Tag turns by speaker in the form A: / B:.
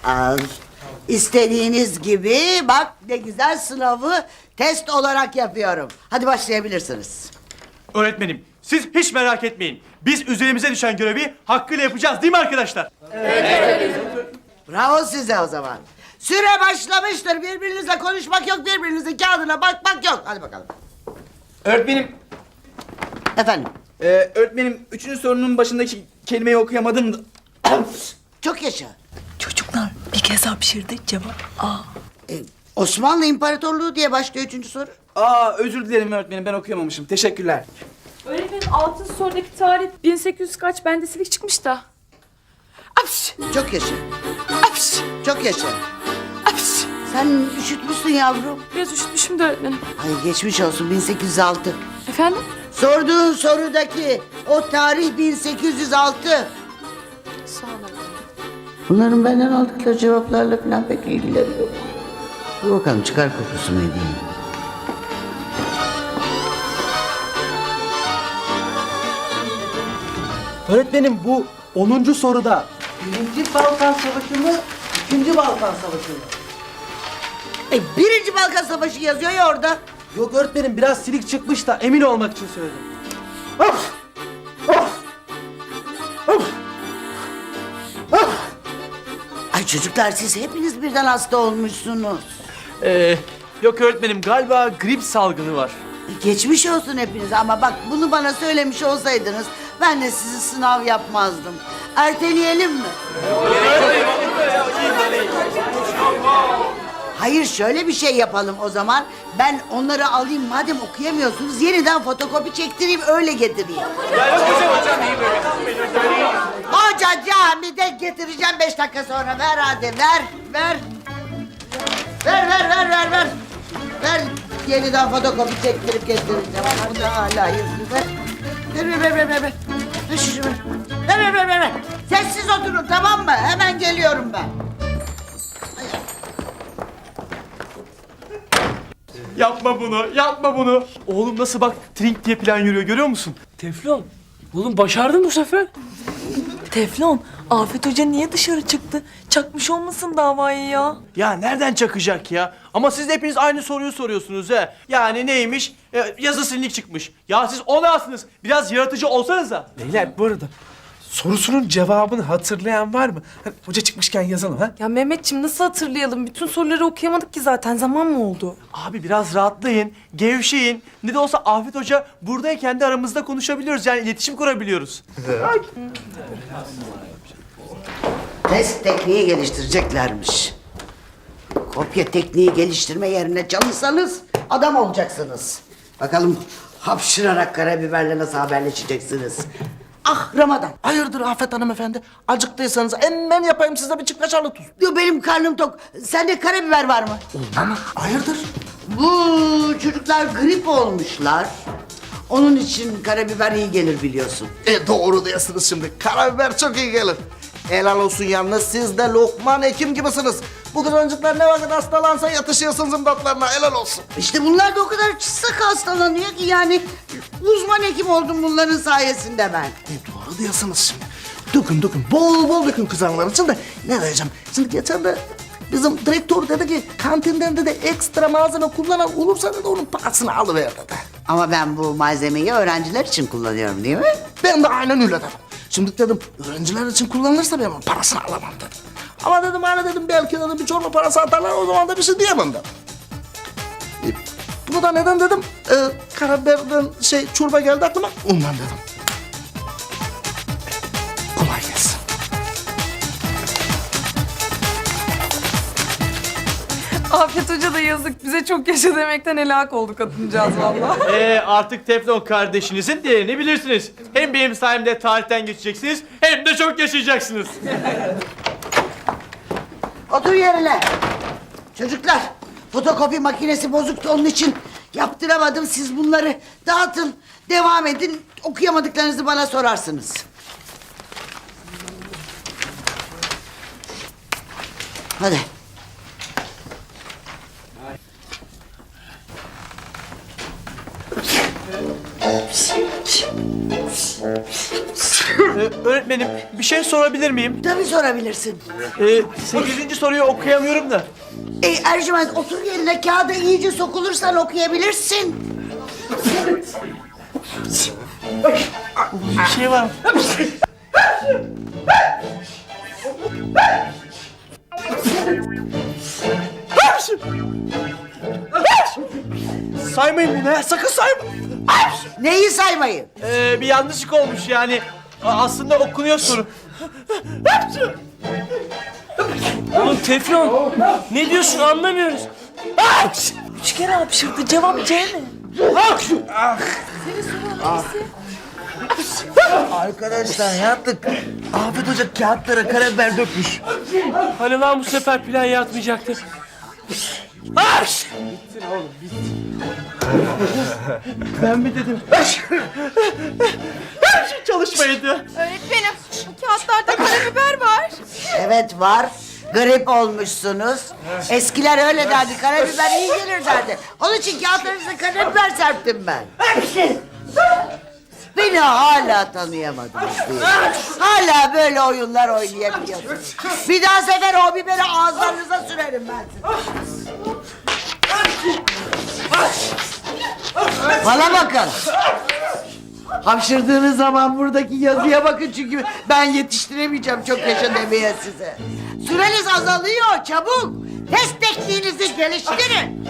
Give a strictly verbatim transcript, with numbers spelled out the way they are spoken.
A: Al. İstediğiniz gibi bak ne güzel sınavı test olarak yapıyorum. Hadi başlayabilirsiniz.
B: Öğretmenim, siz hiç merak etmeyin. Biz üzerimize düşen görevi hakkıyla yapacağız değil mi arkadaşlar?
A: Bravo size o zaman. Süre başlamıştır. Birbirinizle konuşmak yok, birbirinizin kağıdına bakmak yok. Hadi bakalım.
C: Öğretmenim,
A: Efendim,
C: e, öğretmenim üçüncü sorunun başındaki kelimeyi okuyamadım da.
A: çok yaşa.
D: Çocuklar bir kez hapşırdı cevap A.
A: Ee, Osmanlı İmparatorluğu diye başlıyor üçüncü soru.
C: Aa, özür dilerim öğretmenim, ben okuyamamışım. Teşekkürler.
E: Öğretmenim altıncı sorudaki tarih bin sekiz yüz kaç, bende silik çıkmış da.
A: Apş, çok yaşa.
E: Apş,
A: Çok yaşa.
E: apş.
A: Sen üşütmüşsün yavrum.
E: Biraz üşütmüşüm de öğretmenim.
A: Ay geçmiş olsun bin sekiz yüz altı.
E: Efendim?
A: Sorduğun sorudaki o tarih bin sekiz yüz altı.
E: Sağ olun öğretmenim.
A: Bunların benden aldıkları cevaplarla falan pek ilgileri yok. Dur bakalım çıkar kokusunu edeyim.
B: Öğretmenim bu onuncu soruda.
A: Birinci Balkan Savaşı mı? İkinci Balkan Savaşı mı? E, birinci Balkan Savaşı yazıyor ya orada.
B: Yok öğretmenim, biraz silik çıkmış da emin olmak için söyledim.
A: Ay çocuklar siz hepiniz birden hasta olmuşsunuz.
B: Ee, yok öğretmenim, galiba grip salgını var.
A: E, geçmiş olsun hepiniz ama bak bunu bana söylemiş olsaydınız ben de sizi sınav yapmazdım. Erteleyelim mi? Hayır şöyle bir şey yapalım o zaman. Ben onları alayım madem okuyamıyorsunuz yeniden fotokopi çektireyim öyle getireyim. Hoca camide getireceğim beş dakika sonra. Ver hadi ver ver. Ver ver ver ver ver. Ver yeniden fotokopi çektirip getireceğim. Bu da hala yüzlü ver. Ver ver ver ver ver. Ver şunu ver. Ver ver ver ver. ver. Sessiz oturun tamam mı? Hemen geliyorum ben.
B: Yapma bunu, yapma bunu. Oğlum nasıl bak trink diye plan yürüyor, görüyor musun?
F: Teflon, oğlum başardın bu sefer.
D: Teflon, Afet Hoca niye dışarı çıktı? Çakmış olmasın davayı ya.
B: Ya nereden çakacak ya? Ama siz de hepiniz aynı soruyu soruyorsunuz he. Yani neymiş? Ee, yazı silinlik çıkmış. Ya siz o nasılsınız? Biraz yaratıcı olsanıza.
F: Beyler bu arada sorusunun cevabını hatırlayan var mı? Hani hoca çıkmışken yazalım ha.
E: Ya Mehmetciğim nasıl hatırlayalım? Bütün soruları okuyamadık ki zaten. Zaman mı oldu?
B: Abi biraz rahatlayın, gevşeyin. Ne de olsa Afet Hoca buradayken de aramızda konuşabiliyoruz. Yani iletişim kurabiliyoruz.
A: Test tekniği geliştireceklermiş. Kopya tekniği geliştirme yerine çalışsanız adam olacaksınız. Bakalım hapşırarak karabiberle nasıl haberleşeceksiniz. Ah Ramazan.
G: Hayırdır Afet hanımefendi? Acıktıysanız hemen yapayım size bir çift tuz.
A: Diyor benim karnım tok. Sende karabiber var mı?
G: Ama hayırdır?
A: Bu çocuklar grip olmuşlar. Onun için karabiber iyi gelir biliyorsun.
G: E doğru diyorsunuz şimdi. Karabiber çok iyi gelir. Helal olsun yalnız siz de Lokman Hekim gibisiniz. Bu kızıncıklar ne vakit hastalansa yatışıyorsunuz imdatlarına helal olsun.
A: İşte bunlar da o kadar sık hastalanıyor ki yani uzman hekim oldum bunların sayesinde ben.
G: E doğru diyorsunuz şimdi. Dökün dökün bol bol dökün kızanlar için de ne diyeceğim. Şimdi geçen de bizim direktör dedi ki kantinden de ekstra malzeme kullanan olursa dedi onun parasını alıver dedi.
A: Ama ben bu malzemeyi öğrenciler için kullanıyorum değil mi?
G: Ben de aynen öyle dedim. Şimdi dedim öğrenciler için kullanılırsa ben onun parasını alamam dedim. Ama dedim hani dedim belki dedim bir çorba parası atarlar o zaman da bir şey diyemem dedim. E, bunu da neden dedim? E, karabiberden şey çorba geldi aklıma ondan dedim. Kolay gelsin.
E: Afet Hoca da yazık. Bize çok yaşa demekten helak oldu kadıncağız valla.
B: Ee, artık Teflon kardeşinizin değerini bilirsiniz. Hem benim sayemde tarihten geçeceksiniz hem de çok yaşayacaksınız.
A: Otur yerine. Çocuklar fotokopi makinesi bozuktu onun için yaptıramadım. Siz bunları dağıtın. Devam edin. Okuyamadıklarınızı bana sorarsınız. Hadi.
B: öğretmenim bir şey sorabilir miyim?
A: Tabii sorabilirsin.
B: Ee, sekizinci soruyu okuyamıyorum da.
A: E, Ercüment otur yerine, kağıda iyice sokulursan okuyabilirsin.
B: Bir şey var. Saymayın bunu ya, sakın saymayın.
A: Neyi saymayın?
B: Ee, bir yanlışlık olmuş yani. A- Aslında okunuyor soru.
H: Oğlum Teflon, ne diyorsun anlamıyoruz.
D: Üç kere hapşırdı. Cevap C mi?
A: Arkadaşlar yaptık. Afet Hoca kağıtlara karabiber dökmüş.
H: Hani lan bu sefer plan yatmayacaktı.
B: Ben mi dedim? Çalışmaydı.
E: Öğretmenim bu kağıtlarda karabiber var.
A: Evet var. Grip olmuşsunuz. Eskiler öyle derdi. Karabiber iyi gelir derdi. Onun için kağıtlarınıza karabiber serptim ben. Beni hala tanıyamadınız değil mi? Hala böyle oyunlar oynayabiliyorsunuz. Bir daha sefer o biberi ağızlarınıza sürerim ben size. Bana bakın. Hapşırdığınız zaman buradaki yazıya bakın çünkü ben yetiştiremeyeceğim çok yaşa demeye size. Süreniz azalıyor çabuk. Test tekniğinizi geliştirin.